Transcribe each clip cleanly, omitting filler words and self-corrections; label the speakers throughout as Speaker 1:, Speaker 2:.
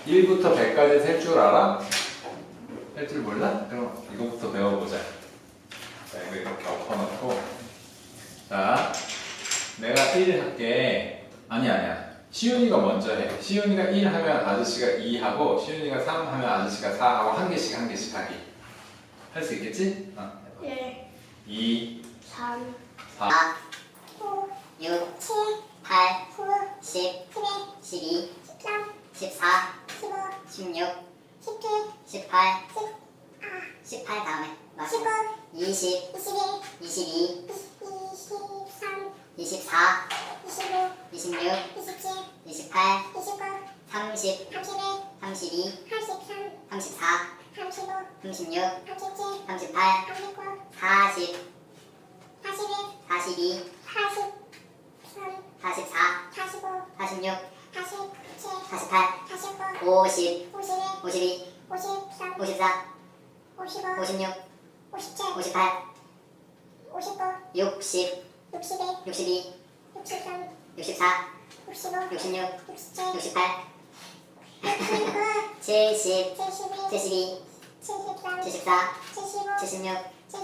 Speaker 1: 1부터 100까지 셀 줄 알아? 셀 줄 몰라? 그럼 이거부터 배워보자. 자, 이거 이렇게 엎어놓고. 자, 내가 1 할게. 아니야. 시윤이가 먼저 해. 시윤이가 1 하면 아저씨가 2 하고, 시윤이가 3 하면 아저씨가 4 하고, 한 개씩 하기. 할 수 있겠지?
Speaker 2: 1,
Speaker 1: 2,
Speaker 2: 3,
Speaker 1: 4,
Speaker 2: 5,
Speaker 3: 6,
Speaker 2: 7,
Speaker 3: 8,
Speaker 2: 9,
Speaker 3: 10,
Speaker 2: 11,
Speaker 3: 12,
Speaker 2: 13,
Speaker 3: 14,
Speaker 2: 15,
Speaker 3: 16,
Speaker 2: 17,
Speaker 3: 18,
Speaker 2: 10,
Speaker 3: 18 다음에
Speaker 2: 19,
Speaker 3: 20,
Speaker 2: 21,
Speaker 3: 22,
Speaker 2: 23,
Speaker 3: 24,
Speaker 2: 25,
Speaker 3: 26,
Speaker 2: 27,
Speaker 3: 28,
Speaker 2: 29,
Speaker 3: 30,
Speaker 2: 31,
Speaker 3: 32,
Speaker 2: 33,
Speaker 3: 34,
Speaker 2: 35,
Speaker 3: 36,
Speaker 2: 37,
Speaker 3: 38,
Speaker 2: 39,
Speaker 3: 40,
Speaker 2: 41,
Speaker 3: 42,
Speaker 2: 43,
Speaker 3: 44,
Speaker 2: 45,
Speaker 3: 46,
Speaker 2: 47,
Speaker 3: 48,
Speaker 2: 49,
Speaker 3: 50,
Speaker 2: 51,
Speaker 3: 52,
Speaker 2: 53,
Speaker 3: 54,
Speaker 2: 55,
Speaker 3: 56,
Speaker 2: 57,
Speaker 3: 58,
Speaker 2: 59,
Speaker 3: 60,
Speaker 2: 61,
Speaker 3: 62,
Speaker 2: 63,
Speaker 3: 64,
Speaker 2: 65,
Speaker 3: 66,
Speaker 2: 67,
Speaker 3: 68,
Speaker 2: 69,
Speaker 3: 70,
Speaker 2: 72,
Speaker 3: 72,
Speaker 2: 73,
Speaker 3: 74,
Speaker 2: 75,
Speaker 3: 76,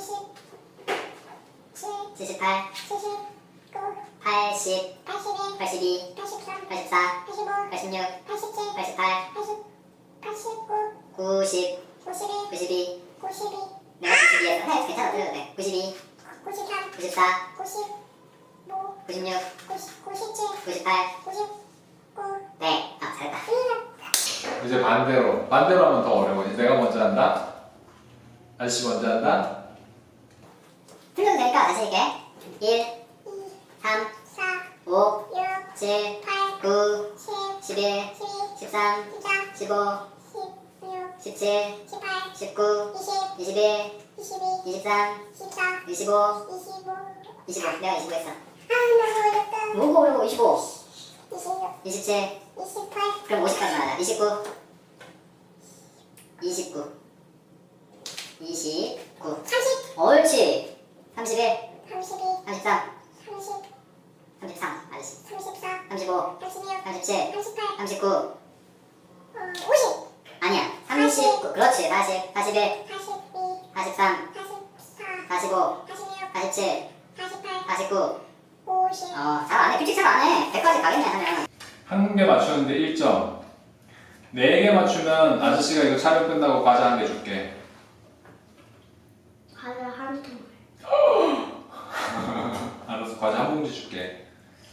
Speaker 2: 77,
Speaker 3: 78,
Speaker 2: 79,
Speaker 3: 80,
Speaker 2: 81,
Speaker 3: 82,
Speaker 2: 83,
Speaker 3: 84,
Speaker 2: 85,
Speaker 3: 86,
Speaker 2: 87,
Speaker 3: 88,
Speaker 2: 89,
Speaker 3: 90,
Speaker 2: 91,
Speaker 3: 92,
Speaker 2: 92,
Speaker 3: 내가 92에서 해. 괜찮아, 들어도 돼. 92,
Speaker 2: 93,
Speaker 3: 94,
Speaker 2: 95,
Speaker 3: 96,
Speaker 2: 97,
Speaker 3: 98,
Speaker 2: 99,
Speaker 3: 네. 아, 잘했다.
Speaker 1: 이제 반대로 하면 더 어려워. 이제 내가 먼저 한다. 아저씨 먼저 한다.
Speaker 3: 틀려도 되니까 다시 할게. 1, 3,
Speaker 2: 4,
Speaker 3: 5,
Speaker 2: 6,
Speaker 3: 7,
Speaker 2: 8,
Speaker 3: 9,
Speaker 2: 10,
Speaker 3: 11,
Speaker 2: 12,
Speaker 3: 13,
Speaker 2: 14,
Speaker 3: 15,
Speaker 2: 16,
Speaker 3: 17,
Speaker 2: 18,
Speaker 3: 19,
Speaker 2: 20,
Speaker 3: 21,
Speaker 2: 22,
Speaker 3: 23,
Speaker 2: 24,
Speaker 3: 25,
Speaker 2: 25.
Speaker 3: 25. 내가 25 했어.
Speaker 2: 너무 어렵다.
Speaker 3: 뭐고 어려워. 25,
Speaker 2: 26,
Speaker 3: 27,
Speaker 2: 28,
Speaker 3: 그럼 50까지 나가자. 29, 29, 29,
Speaker 2: 30,
Speaker 3: 옳지. 31,
Speaker 2: 32,
Speaker 3: 33,
Speaker 2: 30,
Speaker 3: 33, 아저씨.
Speaker 2: 34,
Speaker 3: 35,
Speaker 2: 36,
Speaker 3: 37,
Speaker 2: 38,
Speaker 3: 39,
Speaker 2: 50,
Speaker 3: 아니야. 39, 그렇지. 40, 41,
Speaker 2: 42,
Speaker 3: 43,
Speaker 2: 44,
Speaker 3: 45,
Speaker 2: 46,
Speaker 3: 47,
Speaker 2: 48,
Speaker 3: 49.
Speaker 2: 50.
Speaker 3: 잘하네. 규칙 잘 안 해. 100까지 가겠네, 하면.
Speaker 1: 한 개 맞추는데 1점. 4개 맞추면 아저씨가 이거 촬영 끝나고 과자 한 개 줄게.
Speaker 2: 과자 한 통.
Speaker 1: 알았어, 과자 한 봉지 줄게.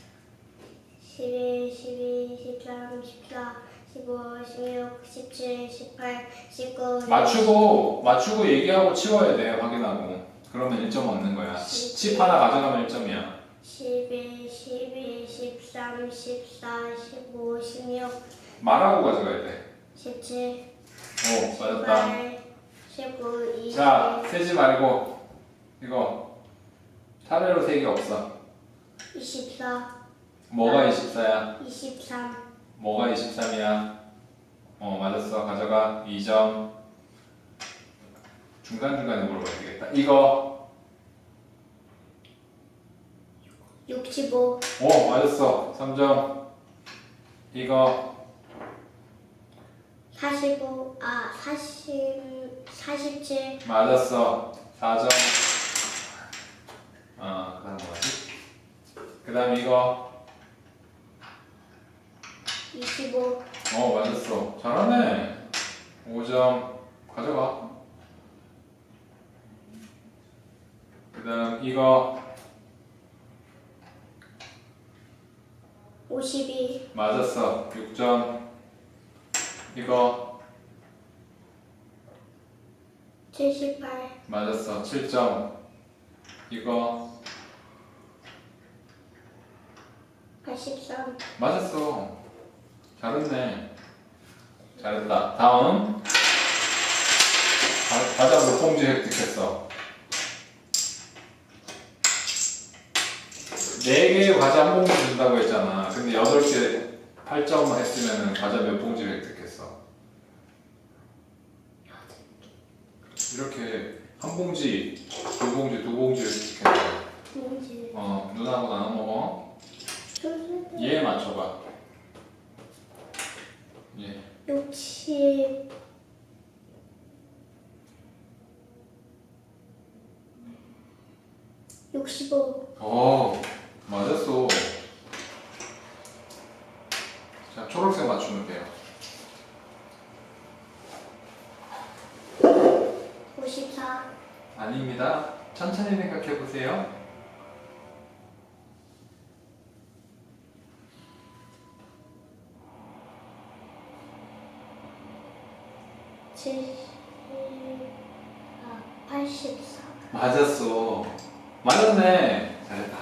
Speaker 2: 11, 12, 13, 14, 15, 16, 17, 18, 19.
Speaker 1: 맞추고 얘기하고 치워야 돼. 확인하고. 그러면 1점 얻는 거야. 칩 하나 가져가면 1점이야.
Speaker 2: 11, 12, 13, 14, 15, 16,
Speaker 1: 말하고 가져가야 돼.
Speaker 2: 17,
Speaker 1: 오, 맞았다.
Speaker 2: 18, 19, 20.
Speaker 1: 자, 세지 말고 이거 사례로 세 개 없어.
Speaker 2: 24,
Speaker 1: 뭐가 24야?
Speaker 2: 23,
Speaker 1: 뭐가 23이야? 맞았어. 가져가. 2점. 중간중간에 물어봐야 되겠다. 이거
Speaker 2: 65,
Speaker 1: 맞았어. 3점. 이거
Speaker 2: 45, 47,
Speaker 1: 맞았어. 4점. 그다음 뭐지? 그다음 이거
Speaker 2: 25,
Speaker 1: 맞았어. 잘하네. 5점. 가져가. 그다음 이거
Speaker 2: 52,
Speaker 1: 맞았어. 6점. 이거
Speaker 2: 78,
Speaker 1: 맞았어. 7점. 이거
Speaker 2: 83,
Speaker 1: 맞았어. 잘했네. 잘했다. 다음. 과자 몇 봉지 획득했어? 4개의 과자 한 봉지 준다고 했잖아. 근데 8개 8점 했으면 과자 몇 봉지 획득했어? 이렇게 한 봉지, 두 봉지, 두 봉지 획득했어.
Speaker 2: 뭔지.
Speaker 1: 누나하고 나눠 먹어. 얘 맞춰봐. 얘.
Speaker 2: 60 65
Speaker 1: 맞았어. 자, 초록색 맞추면 돼요.
Speaker 2: 54
Speaker 1: 아닙니다. 천천히 생각해 보세요.
Speaker 2: 84
Speaker 1: 맞았어. 맞았네. 잘했다.